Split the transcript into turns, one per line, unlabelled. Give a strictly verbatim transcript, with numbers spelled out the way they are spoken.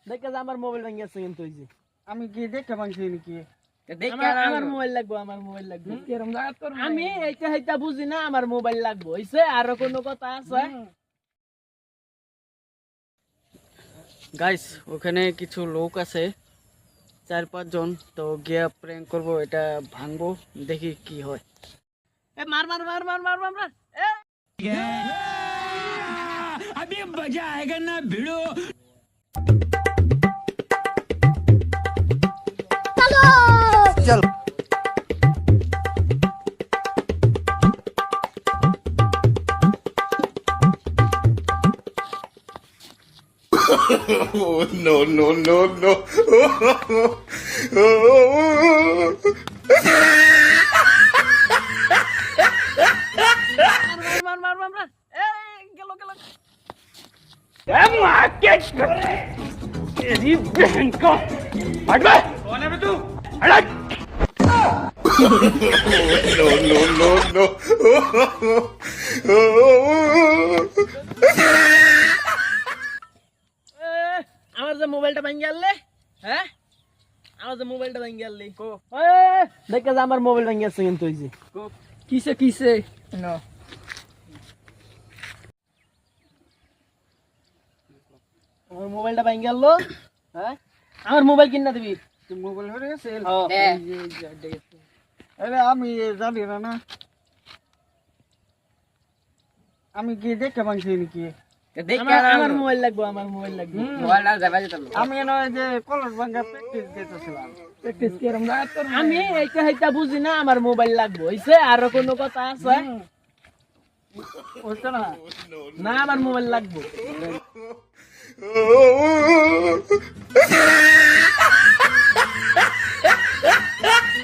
দেখে যে আমার মোবাইল ভেঙে গেছে কিন্তু ওই যে
আমি কি দেখতে পাচ্ছি নাকি?
আমার মোবাইল লাগবো আমার মোবাইল লাগবে কিরকম জায়গা করব আমি এইটা এইটা বুঝি না আমার মোবাইল লাগবে হইছে আর কোনো কথা আছে
গাইস ওখানে কিছু লোক আছে চার পাঁচ জন তো গিয়া প্র্যাঙ্ক করব এটা ভাঙবো দেখি কি হয়
এ মার মার মার মার মার মার মার এ
अभी मजा आएगा ना भिड़ो
Oh, no, no, no, no.
মার মার মার মার এ গেল গেল
तेरी बहन का हट बे कौन है बे तू हट
No, no, no, no.
আমার যে মোবাইলটা ভেঙে গেলে হ্যাঁ আমার যে মোবাইলটা ভেঙে গেলি দেখে যে আমার মোবাইল ভেঙে গেছে কিন্তু ওই যে
কিসে কিসে
না আমার মোবাইলটা ভেঙে গেল হ্যাঁ আমার মোবাইল কিনা দিবি
তুই মোবাইল হয়ে গেছে
হ্যাঁ।
আরে আমি জানি না না আমি কি দেখতে পাচ্ছি নাকি?
আমার আমার মোবাইল লাগবে আমার মোবাইল লাগবে
আমি নয় যে কলর ভাঙ্গা প্র্যাকটিস দিতেছিলাম
প্র্যাকটিস কিরকম জায়গা করব আমি এইটা এইটা বুঝি না আমার মোবাইল লাগবে হইছে আর কোনো কথা আছে
বুঝছো না?
না আমার মোবাইল লাগবে